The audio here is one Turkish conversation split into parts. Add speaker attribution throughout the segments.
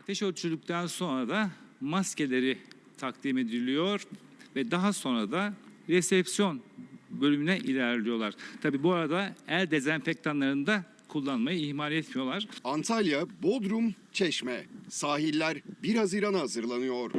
Speaker 1: Ateş ölçüldükten sonra da maskeleri takdim ediliyor ve daha sonra da resepsiyon bölümüne ilerliyorlar. Tabii bu arada el dezenfektanlarını da kullanmayı ihmal etmiyorlar.
Speaker 2: Antalya, Bodrum, Çeşme. Sahiller 1 Haziran'a hazırlanıyor.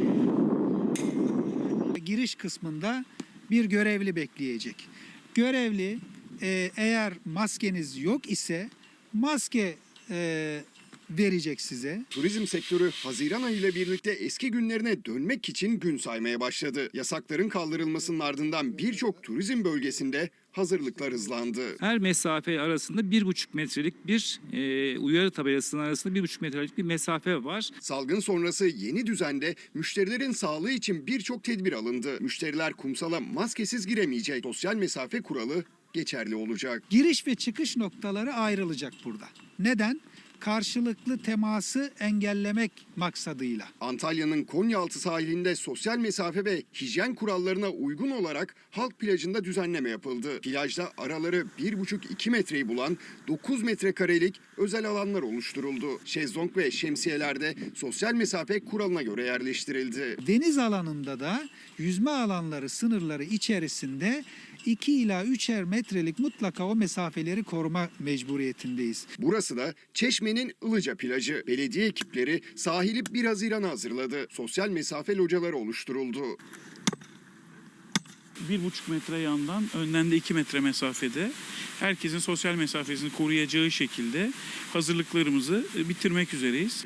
Speaker 3: Giriş kısmında bir görevli bekleyecek. Görevli eğer maskeniz yok ise maske verecek size.
Speaker 2: Turizm sektörü Haziran ayı ile birlikte eski günlerine dönmek için gün saymaya başladı. Yasakların kaldırılmasının ardından birçok turizm bölgesinde hazırlıklar hızlandı.
Speaker 1: Her mesafe arasında 1,5 metrelik bir uyarı tabelasının arasında 1,5 metrelik bir mesafe var.
Speaker 2: Salgın sonrası yeni düzende müşterilerin sağlığı için birçok tedbir alındı. Müşteriler kumsala maskesiz giremeyecek. Sosyal mesafe kuralı geçerli olacak.
Speaker 3: Giriş ve çıkış noktaları ayrılacak burada. Neden? Karşılıklı teması engellemek maksadıyla.
Speaker 2: Antalya'nın Konyaaltı sahilinde sosyal mesafe ve hijyen kurallarına uygun olarak halk plajında düzenleme yapıldı. Plajda araları 1,5-2 metreyi bulan 9 metrekarelik özel alanlar oluşturuldu. Şezlong ve şemsiyeler de sosyal mesafe kuralına göre yerleştirildi.
Speaker 3: Deniz alanında da yüzme alanları sınırları içerisinde 2 ila 3'er metrelik mutlaka o mesafeleri koruma mecburiyetindeyiz.
Speaker 2: Burası da Çeşme'nin Ilıca plajı. Belediye ekipleri sahili 1 Haziran'a hazırladı. Sosyal mesafe locaları oluşturuldu.
Speaker 4: 1,5 metre yandan, önden de 2 metre mesafede herkesin sosyal mesafesini koruyacağı şekilde hazırlıklarımızı bitirmek üzereyiz.